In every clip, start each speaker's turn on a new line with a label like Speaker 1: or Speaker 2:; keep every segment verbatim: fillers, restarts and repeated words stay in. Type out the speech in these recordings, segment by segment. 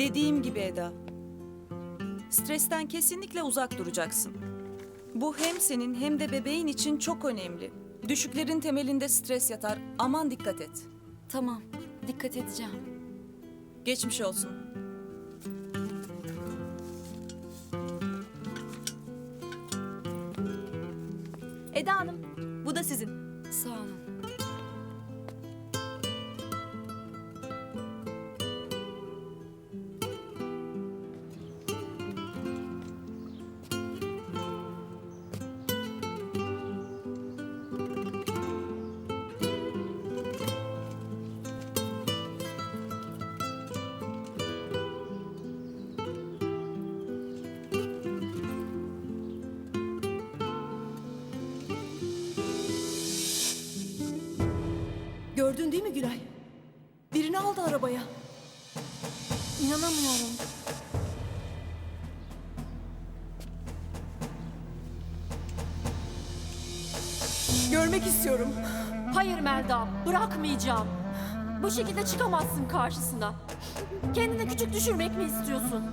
Speaker 1: Dediğim gibi Eda. Stresten kesinlikle uzak duracaksın. Bu hem senin hem de bebeğin için çok önemli. Düşüklerin temelinde stres yatar. Aman dikkat et.
Speaker 2: Tamam, dikkat edeceğim.
Speaker 1: Geçmiş olsun.
Speaker 3: Eda Hanım, bu da sizin.
Speaker 2: Sağ olun.
Speaker 1: Gördün değil mi Gülay? Birini aldı arabaya.
Speaker 2: İnanamıyorum.
Speaker 1: Görmek istiyorum.
Speaker 3: Hayır Melda, bırakmayacağım. Bu şekilde çıkamazsın karşısına. Kendini küçük düşürmek mi istiyorsun?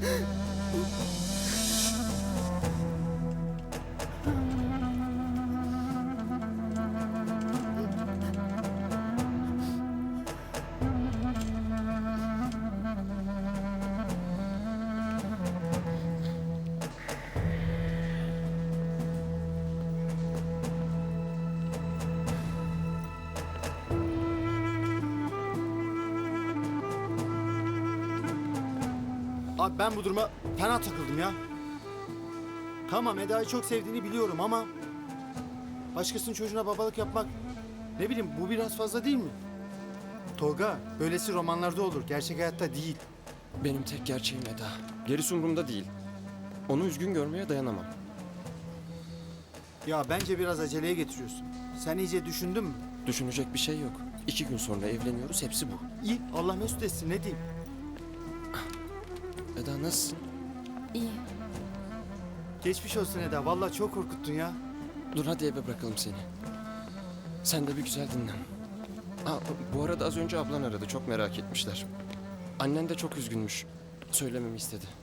Speaker 4: Abi ben bu duruma fena takıldım ya. Tamam Eda'yı çok sevdiğini biliyorum ama... başkasının çocuğuna babalık yapmak... ne bileyim bu biraz fazla değil mi? Tolga, böylesi romanlarda olur. Gerçek hayatta değil.
Speaker 5: Benim tek gerçeğim Eda. Gerisi umurumda değil. Onu üzgün görmeye dayanamam.
Speaker 4: Ya bence biraz aceleye getiriyorsun. Sen iyice düşündün mü?
Speaker 5: Düşünecek bir şey yok. İki gün sonra evleniyoruz, hepsi bu.
Speaker 4: İyi, Allah mesut etsin, ne diyeyim?
Speaker 5: Eda nasılsın?
Speaker 2: İyi.
Speaker 4: Geçmiş olsun Eda, vallahi çok korkuttun ya.
Speaker 5: Dur hadi eve bırakalım seni. Sen de bir güzel dinlen. Aa, bu arada az önce ablan aradı, çok merak etmişler. Annen de çok üzgünmüş. Söylememi istedi.